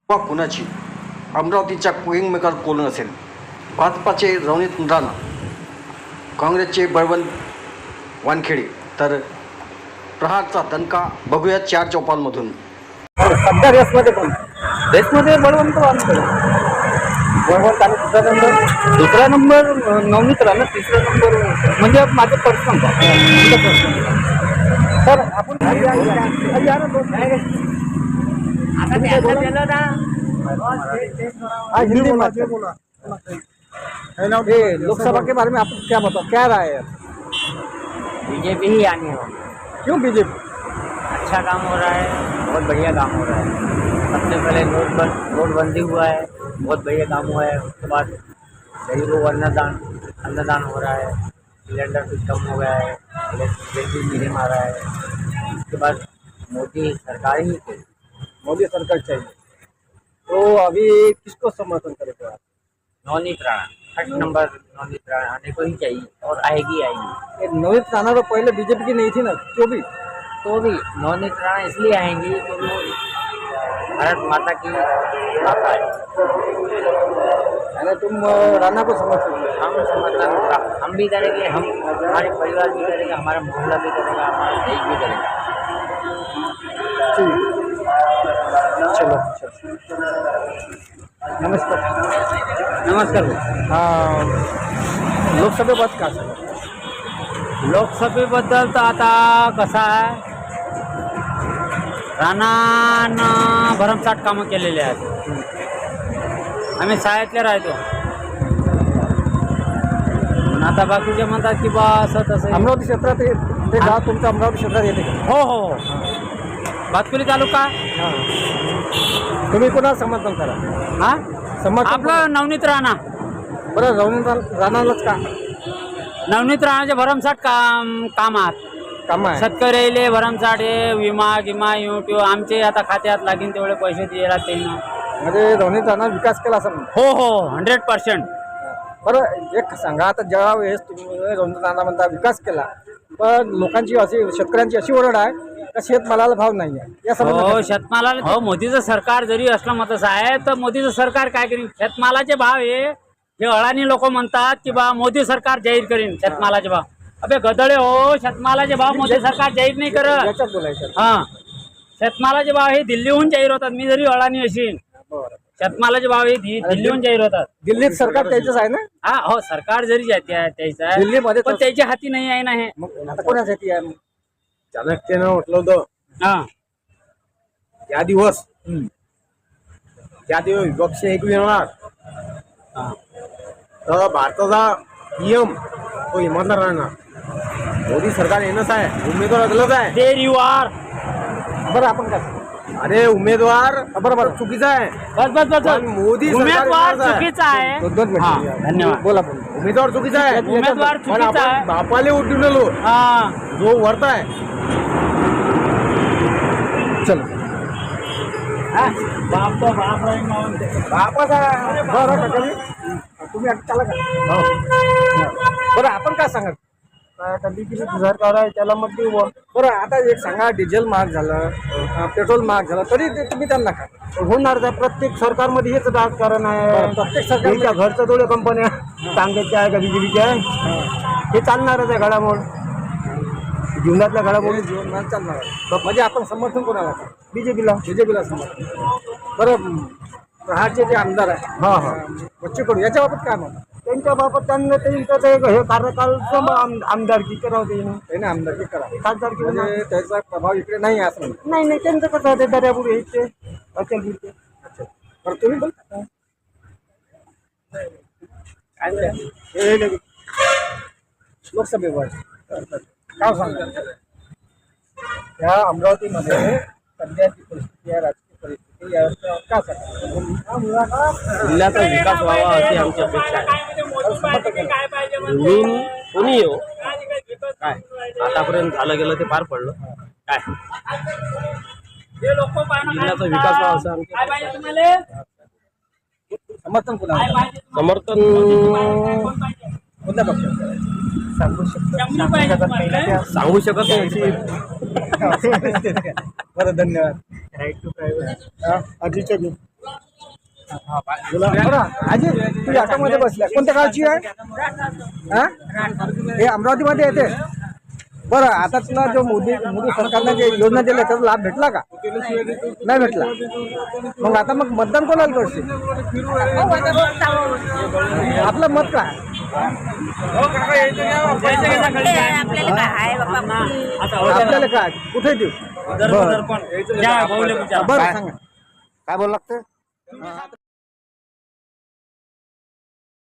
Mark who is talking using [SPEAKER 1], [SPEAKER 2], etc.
[SPEAKER 1] वा कुणाची अमरावतीच्या किंगमेकर कोण असेल? भाजपाचे रवनीत राणा, काँग्रेसचे बळवंत वानखेडे, तर प्रहारचा दणका बघूया चार चौपालमधून.
[SPEAKER 2] सध्या रेसमध्ये कोण? रेसमध्ये बळवंत वानखेडे, बळवंत आणि दुसरा नंबर नवनीत राणा, तिसरा नंबर म्हणजे माझं पर्सनल. तर आपण हिंदी बोला. लोकसभा के बारे में आप क्या बताओ, क्या राय है?
[SPEAKER 3] बीजेपी ही आनी हो.
[SPEAKER 2] क्यों बीजेपी?
[SPEAKER 3] अच्छा काम हो रहा है, बहुत बढ़िया काम हो रहा है. सबसे पहले नोटबंदी हुआ है, बहुत बढ़िया काम हुआ है. उसके बाद गरीबों को अन्नदान हो रहा है, सिलेंडर सिस्टम हो गया है, इलेक्ट्रिसिटी मिले आ रहा है. उसके बाद मोदी सरकार ही थी.
[SPEAKER 2] मोदी सरकार चाहिए. तो अभी किसको समर्थन करेगा आप?
[SPEAKER 3] Navneet Rana first number. नवनीत राणा आने को ही चाहिए और आएगी.
[SPEAKER 2] ये नवनीत राणा तो पहले बीजेपी की नहीं थी ना, क्यों भी?
[SPEAKER 3] तो भी नवनीत राणा इसलिए आएंगी क्योंकि वो भारत माता की माता है.
[SPEAKER 2] यानी तुम राणा को समर्थन करो.
[SPEAKER 3] हम समर्थन हम भी करेंगे, हम हमारे परिवार भी करेंगे, हमारा मोहल्ला भी करेगा, हमारा देश भी करेगा.
[SPEAKER 2] चलो नमस्कार.
[SPEAKER 3] नमस्कार.
[SPEAKER 2] लोकसभेबाबत काय सांगा?
[SPEAKER 3] लोकसभेबद्दल तर आता कसं आहे, राणानं भरमसाठ कामं केलेले आहेत. आम्ही शाळेतले राहतो. पण आता बाकीचे म्हणतात की बा असं तसं.
[SPEAKER 2] अमरावती क्षेत्रात ते गाव तुमचं अमरावती क्षेत्रात येते का?
[SPEAKER 3] हो हो हो. भातकुली तालुका.
[SPEAKER 2] तुम्ही कोणाला समर्थन करा?
[SPEAKER 3] हा
[SPEAKER 2] समर्थन
[SPEAKER 3] आपलं नवनीत राणा.
[SPEAKER 2] बरं, राणालाच का?
[SPEAKER 3] नवनीत राणाचे भरमसाठ काम आहेत.
[SPEAKER 2] काम आहे.
[SPEAKER 3] शेतकऱ्याले भरमसाठ हे विमा गिमा युट्यूब आमचे आता खात्यात लागेल तेवढे पैसे द्यायला त्यांना.
[SPEAKER 2] म्हणजे रवनीत राणा विकास केला असं म्हणतो.
[SPEAKER 3] हो हो 100%.
[SPEAKER 2] बरं, एक सांगा, आता ज्या वेळेस तुम्ही रवनीत राणा म्हणता विकास केला, पण लोकांची अशी, शेतकऱ्यांची अशी ओरड आहे का शेतमालाला भाव नाही आहे. या
[SPEAKER 3] हो
[SPEAKER 2] संबंधात
[SPEAKER 3] शेतमालाला हो मोदीचं सरकार जरी असलं मतच आहे तर मोदीचं सरकार काय करीन? शेतमालाचे भाव हे अळानी लोक म्हणतात की बा मोदी सरकार जाहीर करीन शेतमालाचे भाव. अबे गदळे हो, शेतमालाचे भाव मोदी सरकार जाहीर नाही करत.
[SPEAKER 2] याच्यात बोलायचं.
[SPEAKER 3] हा शेतमालाचे भाव हे दिल्लीहून जाहीर होतात. मी जरी अळानी असेल,
[SPEAKER 2] बरं,
[SPEAKER 3] शेतमालाचे भाव हे दिल्लीहून जाहीर होतात.
[SPEAKER 2] दिल्लीत सरकार त्याचंच आहे ना?
[SPEAKER 3] हा हो सरकार जरी त्याचं आहे
[SPEAKER 2] दिल्लीमध्ये
[SPEAKER 3] पण त्याच्या हाती नाही आहे ना हे.
[SPEAKER 2] मग आता कोणासाठी आहे?
[SPEAKER 4] चाणक्यानं म्हटलं होतं
[SPEAKER 3] हा
[SPEAKER 4] त्या दिवस विपक्ष एक येणार तर भारताचा पीएम तो इमानदार राहणार. मोदी सरकार येणंच आहे, उमेदवार अगलच आहे.
[SPEAKER 3] There you are.
[SPEAKER 2] बरं, आपण काय?
[SPEAKER 4] अरे उमेदवार
[SPEAKER 2] बरोबर
[SPEAKER 4] चुकीचा आहे.
[SPEAKER 3] बस बस बस
[SPEAKER 4] पण मोदी सरकार
[SPEAKER 3] उमेदवार
[SPEAKER 4] येणारच आहे.
[SPEAKER 3] चुकीचा आहे.
[SPEAKER 2] दोन
[SPEAKER 3] हा,
[SPEAKER 2] मिनिटं.
[SPEAKER 3] धन्यवाद.
[SPEAKER 2] बोला.
[SPEAKER 4] उमेदवार चुकीचा आहे.
[SPEAKER 3] उमेदवार
[SPEAKER 4] पण
[SPEAKER 3] चुकीचा आहे.
[SPEAKER 4] आपण बापाले उठून आलो
[SPEAKER 3] हा
[SPEAKER 4] जो वरत आहे.
[SPEAKER 2] चलो. बरं का तुम्ही आता चाला का? बरं, आपण काय सांगा?
[SPEAKER 4] सरकार आहे त्याला मग देऊ.
[SPEAKER 2] बरं, आता एक सांगा, डिझेल महाग झालं, पेट्रोल महाग झालं, तरी ते तुम्ही त्यांना का?
[SPEAKER 4] होणार आहे. प्रत्येक सरकारमध्ये हेच राजकारण आहे.
[SPEAKER 2] प्रत्येक सरकार
[SPEAKER 4] घरच्या थोड्या कंपन्या काँग्रेसच्या आहे का बीजेपीच्या आहे, हे चालणारच आहे. घडामोड जीवनातल्या घडामोडी
[SPEAKER 2] जीवन चालणार आहे. म्हणजे आपण समर्थन कोणाला?
[SPEAKER 4] बीजेपीला.
[SPEAKER 2] बीजेपीला समर्थन. बरं, प्रहारचे जे आमदार आहे बच्चू कडू, याच्या बाबत काय म्हणतात?
[SPEAKER 4] त्यांच्या बाबत त्यांना त्यांचं हे कार्यकाल आमदारकी करावं.
[SPEAKER 2] त्याने आमदारकी करा,
[SPEAKER 4] खासदारकी
[SPEAKER 2] म्हणजे त्याचा प्रभाव इकडे नाही आहे असं म्हणतात.
[SPEAKER 4] नाही त्यांचं कसं आहे, दर्यापूर यायचे अचल गिरते.
[SPEAKER 2] बरं, तुम्ही बोल. लोकसभेवर काय सांगता? या अमरावतीमध्ये सध्याची परिस्थिती आहे, राजकीय परिस्थिती यावर काय सांगा?
[SPEAKER 5] जिल्ह्याचा विकास व्हावा अशी आमची अपेक्षा आहे. निवडून कोणी येऊ काय आतापर्यंत झालं गेलं ते पार पडलं काय जिल्ह्याचा विकास व्हावा असं आमची अपेक्षा आहे.
[SPEAKER 2] समर्थन कोणाला?
[SPEAKER 5] समर्थन
[SPEAKER 2] कोणत्या पक्षाचं?
[SPEAKER 5] सांगू शकत नाही.
[SPEAKER 2] बरं, धन्यवाद.
[SPEAKER 4] अजितच्या बरं आजी तू ऑटोमध्ये बसल्या कोणत्या गावची आहे हा हे अमरावतीमध्ये येते बरं आता तुला जो मोदी सरकारने जे योजना दिल्या त्याचा लाभ भेटला का नाही भेटला मग आता मग मतदान कोणाला करशील आपलं मत काय आपल्याला काय कुठे देऊ बरं सांगा काय बोलावं लागतं